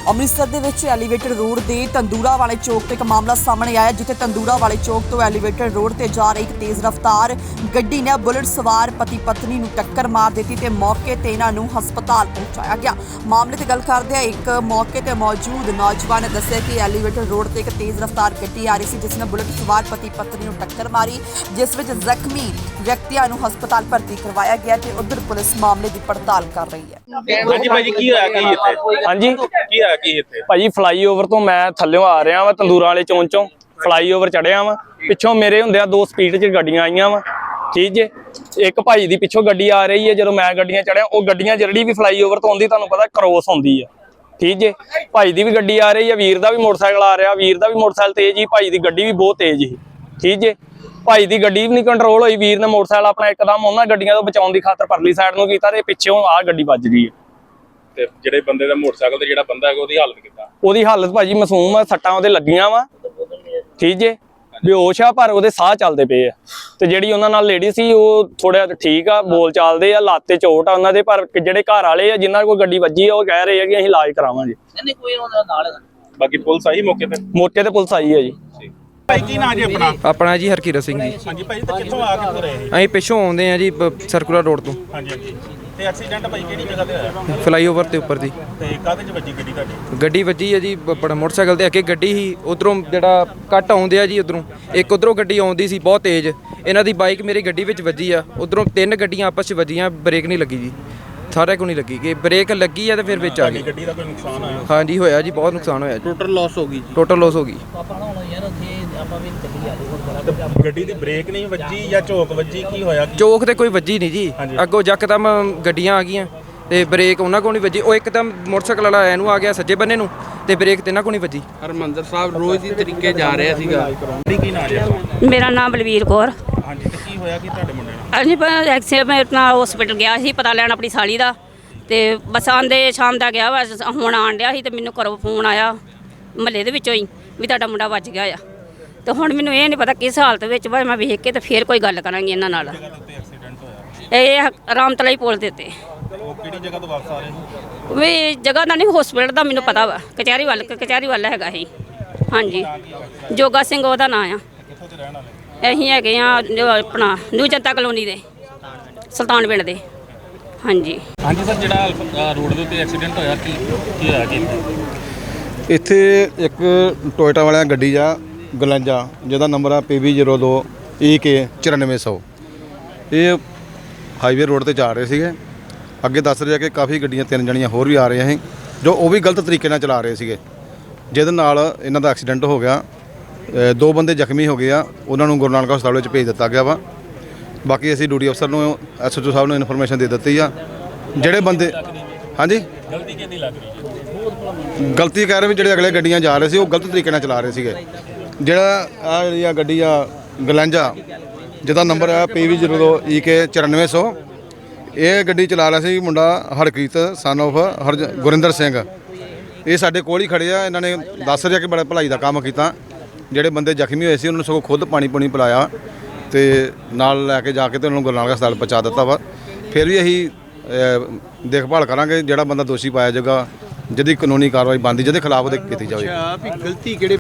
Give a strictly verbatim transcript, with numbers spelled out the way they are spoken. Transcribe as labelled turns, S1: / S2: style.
S1: ਅੰਮ੍ਰਿਤਸਰ ਦੇ ਵਿੱਚ elevator road ਦੇ ਤੰਦੂਰਾ ਵਾਲੇ ਚੌਕ ਤੋਂ ਇੱਕ ਮਾਮਲਾ ਸਾਹਮਣੇ ਆਇਆ, ਜਿੱਥੇ ਤੰਦੂਰਾ ਵਾਲੇ ਚੌਕ ਤੋਂ ਐਲੀਵੇਟਰ ਰੋਡ ਤੇ ਜਾ ਰਹੀ ਇੱਕ ਤੇਜ਼ ਰਫ਼ਤਾਰ ਗੱਡੀ ਨੇ ਬੁਲਟ ਸਵਾਰ ਪਤੀ ਪਤਨੀ ਨੂੰ ਟੱਕਰ ਮਾਰ ਦਿੱਤੀ ਤੇ ਮੌਕੇ ਤੇ ਇਹਨਾਂ ਨੂੰ ਹਸਪਤਾਲ ਪਹੁੰਚਾਇਆ ਗਿਆ। ਮਾਮਲੇ ਤੇ ਗੱਲ ਕਰਦੇ ਆ ਇੱਕ ਮੌਕੇ ਤੇ ਮੌਜੂਦ ਨੌਜਵਾਨ ਨੇ ਦੱਸਿਆ ਕਿ ਐਲੀਵੇਟਰ ਰੋਡ ਤੇ ਇੱਕ ਤੇਜ਼ ਰਫ਼ਤਾਰ ਗੱਡੀ ਆ ਰਹੀ ਸੀ, ਜਿਸ ਨੇ ਬੁਲਟ ਸਵਾਰ ਪਤੀ ਪਤਨੀ ਨੂੰ ਟੱਕਰ ਮਾਰੀ, ਜਿਸ ਵਿੱਚ ਜ਼ਖਮੀ ਵਿਅਕਤੀਆਂ ਨੂੰ ਹਸਪਤਾਲ ਭਰਤੀ ਕਰਵਾਇਆ ਗਿਆ ਤੇ ਉਧਰ ਪੁਲਿਸ ਮਾਮਲੇ ਦੀ ਪੜਤਾਲ ਕਰ ਰਹੀ ਹੈ।
S2: ਹਾਂਜੀ ਭਾਜੀ, ਕੀ ਹੋਇਆ ਕੀ ਇੱਥੇ?
S3: ਹਾਂਜੀ
S2: ਕੀ ਹੋਇਆ ਕੀ ਇੱਥੇ?
S3: ਭਾਜੀ ਫਲਾਈਓਵਰ ਤੋਂ ਮੈਂ ਥੱਲਿਓਂ ਆ ਰਿਹਾ ਵਾ, ਤੰਦੂਰਾਂ ਵਾਲੇ ਚੌਂਕ ਚੋਂ ਫਲਾਈਓਵਰ ਚੜਿਆ ਵਾ। ਪਿੱਛੋਂ ਮੇਰੇ ਹੁੰਦਿਆਂ ਦੋ ਸਪੀਡ 'ਚ ਗੱਡੀਆਂ ਆਈਆਂ ਵਾ, ਠੀਕ ਜੇ। ਇੱਕ ਭਾਈ ਦੀ ਪਿੱਛੋਂ ਗੱਡੀ ਆ ਰਹੀ ਹੈ, ਜਦੋਂ ਮੈਂ ਗੱਡੀਆਂ ਚੜਿਆ ਉਹ ਗੱਡੀਆਂ ਜਿਹੜੀ ਵੀ ਫਲਾਈਓਵਰ ਤੋਂ ਆਉਂਦੀ ਤੁਹਾਨੂੰ ਪਤਾ ਕ੍ਰੋਸ ਹੁੰਦੀ ਆ, ਠੀਕ ਜੇ। ਭਾਈ ਦੀ ਵੀ ਗੱਡੀ ਆ ਰਹੀ ਹੈ, ਵੀਰ ਦਾ ਵੀ ਮੋਟਰਸਾਈਕਲ ਆ ਰਿਹਾ, ਵੀਰ ਦਾ ਵੀ ਮੋਟਰਸਾਈਕਲ ਤੇਜ਼ ਹੀ, ਭਾਈ ਦੀ ਗੱਡੀ ਵੀ ਬਹੁਤ ਤੇਜ਼ ਸੀ, ਠੀਕ ਜੇ। ਭਾਈ ਦੀ ਗੱਡੀ ਵੀ ਨਹੀਂ ਕੰਟਰੋਲ ਹੋਈ, ਵੀਰ ਨੇ ਮੋਟਰਸਾਈਕਲ ਆਪਣਾ ਇੱਕਦਮ ਉਹਨਾਂ ਗੱਡੀਆਂ ਤੋਂ ਬਚਾਉਣ ਦੀ ਖਾਤਰ ਪਰਲੀ ਸਾਈਡ ਨੂੰ ਕੀਤਾ ਤੇ ਪਿੱਛੋਂ ਆਹ ਗੱਡੀ ਵੱਜ ਗਈ ਹੈ।
S2: ਤੇ ਜਿਹੜੇ ਬੰਦੇ ਦਾ ਮੋਟਰਸਾਈਕਲ ਤੇ ਜਿਹੜਾ ਬੰਦਾ ਹੈਗਾ ਉਹਦੀ ਹਾਲਤ ਕਿੱਦਾਂ?
S3: ਉਹਦੀ ਹਾਲਤ ਭਾਜੀ ਮਾਸੂਮ ਆ, ਸੱਟਾਂ ਉਹਦੇ ਲੱਗੀਆਂ ਵਾ, ਠੀਕ ਜੇ। ਬੇਹੋਸ਼ ਆ ਪਰ ਉਹਦੇ ਸਾਹ ਚੱਲਦੇ ਪਏ ਆ। ਤੇ ਜਿਹੜੀ ਉਹਨਾਂ ਨਾਲ ਲੇਡੀ ਸੀ ਉਹ ਥੋੜਾ ਠੀਕ ਆ, ਬੋਲ ਚਾਲਦੇ ਆ, ਲੱਤ ਤੇ ਚੋਟ ਆ ਉਹਨਾਂ ਦੇ। ਪਰ ਜਿਹੜੇ ਘਰ ਵਾਲੇ ਆ ਜਿਨ੍ਹਾਂ ਕੋਲ ਗੱਡੀ ਵੱਜੀ ਆ ਉਹ ਕਹਿ ਰਹੇ ਆ ਕਿ ਅਸੀਂ ਇਲਾਜ ਕਰਾਵਾਂਗੇ।
S4: ਨਹੀਂ ਕੋਈ ਉਹਦਾ ਨਾਲ
S2: ਬਾਕੀ ਪੁਲਿਸ ਆਈ ਮੌਕੇ ਤੇ?
S3: ਮੌਕੇ ਤੇ ਪੁਲਿਸ ਆਈ ਹੈ ਜੀ।
S2: ਭਾਈ ਕੀ ਨਾਂ ਜੀ ਆਪਣਾ?
S5: ਆਪਣਾ ਜੀ ਹਰਕੀਰਤ ਸਿੰਘ ਜੀ।
S2: ਹਾਂਜੀ ਭਾਈ, ਤੇ ਕਿੱਥੋਂ ਆ ਕਿੱਥੋਂ ਰਹੇ?
S5: ਅਸੀਂ ਪਿੱਛੋਂ ਆਉਂਦੇ ਆ ਜੀ ਸਰਕੂਲਰ ਰੋਡ ਤੋਂ।
S2: ਹਾਂਜੀ ਹਾਂਜੀ। ਤੇ ਐਕਸੀਡੈਂਟ ਭਾਈ ਕਿਹੜੀ ਜਗ੍ਹਾ ਤੇ ਹੋਇਆ?
S5: ਫਲਾਈਓਵਰ ਤੇ ਉੱਪਰ ਦੀ।
S2: ਤੇ ਕਾਹਦੇ 'ਚ ਵੱਜੀ ਗੱਡੀ ਤੁਹਾਡੀ?
S5: ਗੱਡੀ ਵੱਜੀ ਹੈ ਜੀ ਬੜਾ ਮੋਟਰਸਾਈਕਲ ਤੇ ਅੱਗੇ ਗੱਡੀ ਸੀ, ਉਧਰੋਂ ਜਿਹੜਾ ਕੱਟ ਆਉਂਦੇ ਆ ਜੀ ਉਧਰੋਂ ਇੱਕ ਉਧਰੋਂ ਗੱਡੀ ਆਉਂਦੀ ਸੀ ਬਹੁਤ ਤੇਜ਼, ਇਹਨਾਂ ਦੀ ਬਾਈਕ ਮੇਰੀ ਗੱਡੀ ਵਿੱਚ ਵੱਜੀ ਆ। ਉਧਰੋਂ ਤਿੰਨ ਗੱਡੀਆਂ ਆਪਸ 'ਚ ਵੱਜੀਆਂ, ਬ੍ਰੇਕ ਨਹੀਂ ਲੱਗੀ ਜੀ, ਸਾਰਿਆਂ ਕੋਲ ਨਹੀਂ ਲੱਗੀ ਕਿ ਬ੍ਰੇਕ ਲੱਗੀ ਆ ਤੇ ਫਿਰ ਵਿੱਚ ਆ ਗਈ।
S2: ਗੱਡੀ ਦਾ ਕੋਈ ਨੁਕਸਾਨ ਹੋਇਆ?
S5: ਹਾਂਜੀ ਹੋਇਆ ਜੀ, ਬਹੁਤ ਨੁਕਸਾਨ ਹੋਇਆ ਜੀ।
S4: ਟੋਟਲ ਲਾਸ ਹੋ ਗਈ ਜੀ।
S5: ਟੋਟਲ ਲਾਸ ਹੋ ਗਈ।
S2: ਗੱਡੀ ਦੀ ਬ੍ਰੇਕ ਨਹੀਂ ਵੱਜੀ ਜਾਂ ਝੋਕ ਵੱਜੀ, ਕੀ ਹੋਇਆ?
S5: ਚੌਕ ਤੇ ਕੋਈ ਵੱਜੀ ਨਹੀਂ ਜੀ, ਅੱਗੋਂ ਯਕਦਮ ਗੱਡੀਆਂ ਆ ਗਈਆਂ ਤੇ ਬ੍ਰੇਕ ਉਹਨਾਂ ਕੋਲ ਨਹੀਂ ਵੱਜੀ। ਉਹ ਇੱਕਦਮ ਮੋਟਰਸਾਈਕਲ ਵਾਲਾ ਇਹਨੂੰ ਆ ਗਿਆ ਸੱਜੇ ਬੰਨੇ ਨੂੰ ਤੇ ਬ੍ਰੇਕ ਤੇ ਇਹਨਾਂ ਕੋਲ ਨਹੀਂ ਵੱਜੀ।
S4: ਹਰਮੰਦਰ ਸਾਹਿਬ ਰੋਜ਼ ਦੀ ਤਰੀਕੇ ਜਾ ਰਿਹਾ ਸੀਗਾ।
S2: ਕੀ ਨਾਂ ਜੀ?
S6: ਮੇਰਾ ਨਾਮ ਬਲਵੀਰ ਕੌਰ।
S2: ਹਾਂਜੀ, ਤੇ ਕੀ ਹੋਇਆ ਕੀ ਤੁਹਾਡੇ ਮੁੰਡੇ ਨੂੰ?
S6: ਹਾਂਜੀ ਐਕਸੀਡੈਂਟ ਨਾਲ ਹਸਪੀਟਲ ਗਿਆ ਸੀ ਪਤਾ ਲੈਣ ਆਪਣੀ ਸਾਲੀ ਦਾ, ਤੇ ਬਸ ਆਂਦੇ ਸ਼ਾਮ ਦਾ ਗਿਆ ਵਾ, ਹੁਣ ਆਣ ਡਿਆ ਸੀ ਤੇ ਮੈਨੂੰ ਘਰੋਂ ਫੋਨ ਆਇਆ ਮਹੱਲੇ ਦੇ ਵਿੱਚੋਂ ਹੀ ਵੀ ਤੁਹਾਡਾ ਮੁੰਡਾ ਵੱਜ ਗਿਆ ਆ। ਤੇ ਹੁਣ ਮੈਨੂੰ ਇਹ ਨਹੀਂ ਪਤਾ ਕਿਸ ਹਾਲਤ ਵਿੱਚ ਵਾ, ਮੈਂ ਵੇਖ ਕੇ ਤੇ ਫੇਰ ਕੋਈ ਗੱਲ ਕਰਾਂਗੀ ਇਹਨਾਂ ਨਾਲ। ਇਹ ਰਾਮਤਲਾਈ ਪੁਲ ਦੇ ਉੱਤੇ।
S2: ਉਹ ਕਿਹੜੀ ਜਗ੍ਹਾ ਤੋਂ ਵਾਪਸ ਆ ਰਹੇ ਸੀ?
S6: ਵੀ ਜਗ੍ਹਾ ਦਾ ਨਹੀਂ, ਹਸਪੀਟਲ ਦਾ ਮੈਨੂੰ ਪਤਾ ਵਾ, ਕਚਹਿਰੀ ਵੱਲ ਕਚਹਿਰੀ ਵੱਲ ਹੈਗਾ ਸੀ। ਹਾਂਜੀ, ਜੋਗਾ ਸਿੰਘ ਉਹਦਾ ਨਾਂ ਆ।
S2: ਕਿੱਥੋਂ ਦੇ ਰਹਿਣ ਵਾਲੇ?
S6: ਅਸੀਂ ਹੈਗੇ ਆ ਆਪਣਾ ਨਿਊ ਜਨਤਾ ਕਲੋਨੀ ਦੇ, ਸੁਲਤਾਨ ਪਿੰਡ ਦੇ। ਹਾਂਜੀ
S2: ਹਾਂਜੀ ਸਰ, ਜਿਹੜਾ ਰੋਡ ਦੇ ਉੱਤੇ ਐਕਸੀਡੈਂਟ ਹੋਇਆ ਕੀ ਕੀ ਹੋਇਆ ਜੀ?
S7: ਇੱਥੇ ਇੱਕ ਟੋਇਟਾ ਵਾਲਿਆਂ ਗੱਡੀ ਆ ਗਲੰਜਾ, ਜਿਹਦਾ ਨੰਬਰ ਆ ਪੀ ਵੀ ਜ਼ੀਰੋ ਦੋ ਈ ਕੇ ਚੁਰਾਨਵੇਂ ਸੌ। ਇਹ ਹਾਈਵੇ ਰੋਡ ਤੇ ਜਾ ਰਹੇ ਸੀਗੇ। ਅੱਗੇ ਦੱਸ ਰਿਹਾ ਕਿ ਕਾਫੀ ਗੱਡੀਆਂ ਤਿੰਨ ਜਣੀਆਂ ਹੋਰ ਵੀ ਆ ਰਹੀਆਂ ਸੀ, ਜੋ ਉਹ ਵੀ ਗਲਤ ਤਰੀਕੇ ਨਾਲ ਚਲਾ ਰਹੇ ਸੀਗੇ, ਜਿਹਦੇ ਨਾਲ ਇਹਨਾਂ ਦਾ ਐਕਸੀਡੈਂਟ ਹੋ ਗਿਆ। ਦੋ ਬੰਦੇ ਜ਼ਖਮੀ ਹੋ ਗਏ ਆ, ਉਹਨਾਂ ਨੂੰ ਗੁਰੂ ਨਾਨਕ ਹਸਪਤਾਲ ਵਿੱਚ ਭੇਜ ਦਿੱਤਾ ਗਿਆ ਵਾ। ਬਾਕੀ ਅਸੀਂ ਡਿਊਟੀ ਅਫਸਰ ਨੂੰ ਐਸ ਐਚ ਓ ਸਾਹਿਬ ਨੂੰ ਇਨਫੋਰਮੇਸ਼ਨ ਦੇ ਦਿੱਤੀ ਆ। ਜਿਹੜੇ ਬੰਦੇ ਹਾਂਜੀ
S2: ਗਲਤੀ ਕਿਹਦੀ ਲੱਗ ਰਹੀ?
S7: ਗਲਤੀ ਕਹਿ ਰਹੇ ਵੀ ਜਿਹੜੇ ਅਗਲੇ ਗੱਡੀਆਂ ਜਾ ਰਹੇ ਸੀ ਉਹ ਗਲਤ ਤਰੀਕੇ ਨਾਲ ਚਲਾ ਰਹੇ ਸੀਗੇ। ਜਿਹੜਾ ਆ ਜਿਹੜੀ ਆ ਗੱਡੀ ਆ ਗਲੰਜਾ, ਜਿਹਦਾ ਨੰਬਰ ਆ ਪੀ ਵੀ ਜ਼ੀਰੋ ਦੋ ਈ ਕੇ ਚੁਰਾਨਵੇਂ ਸੌ, ਇਹ ਗੱਡੀ ਚਲਾ ਰਿਹਾ ਸੀ ਮੁੰਡਾ ਹਰਕੀਰਤ ਸਨ ਆਫ ਹਰਜ ਗੁਰਿੰਦਰ ਸਿੰਘ। ਇਹ ਸਾਡੇ ਕੋਲ ਹੀ ਖੜੇ ਆ। ਇਹਨਾਂ ਨੇ ਦੱਸ ਰਿਹਾ ਕਿ ਬੜਾ ਭਲਾਈ ਦਾ ਕੰਮ ਕੀਤਾ। ਜਿਹੜੇ ਬੰਦੇ ਜ਼ਖਮੀ ਹੋਏ ਸੀ ਉਹਨਾਂ ਨੂੰ ਸਗੋਂ ਖੁਦ ਪਾਣੀ ਪੂਣੀ ਪਿਲਾਇਆ ਤੇ ਨਾਲ ਲੈ ਕੇ ਜਾ ਕੇ ਤੇ ਉਹਨਾਂ ਨੂੰ ਗੁਰੂ ਨਾਨਕ ਹਸਪਤਾਲ ਪਹੁੰਚਾ ਦਿੱਤਾ ਵਾ। ਫਿਰ ਵੀ ਅਸੀਂ ਦੇਖਭਾਲ ਕਰਾਂਗੇ, ਜਿਹੜਾ ਬੰਦਾ ਦੋਸ਼ੀ ਪਾਇਆ ਜਾਏਗਾ, ਜਿਹਦੀ ਕਾਨੂੰਨੀ ਕਾਰਵਾਈ ਬਣਦੀ, ਜਿਹਦੇ ਖਿਲਾਫ ਉਹਦੇ ਕੀਤੀ ਜਾਵੇ।
S4: ਗਲਤੀ ਕਿਹੜੇ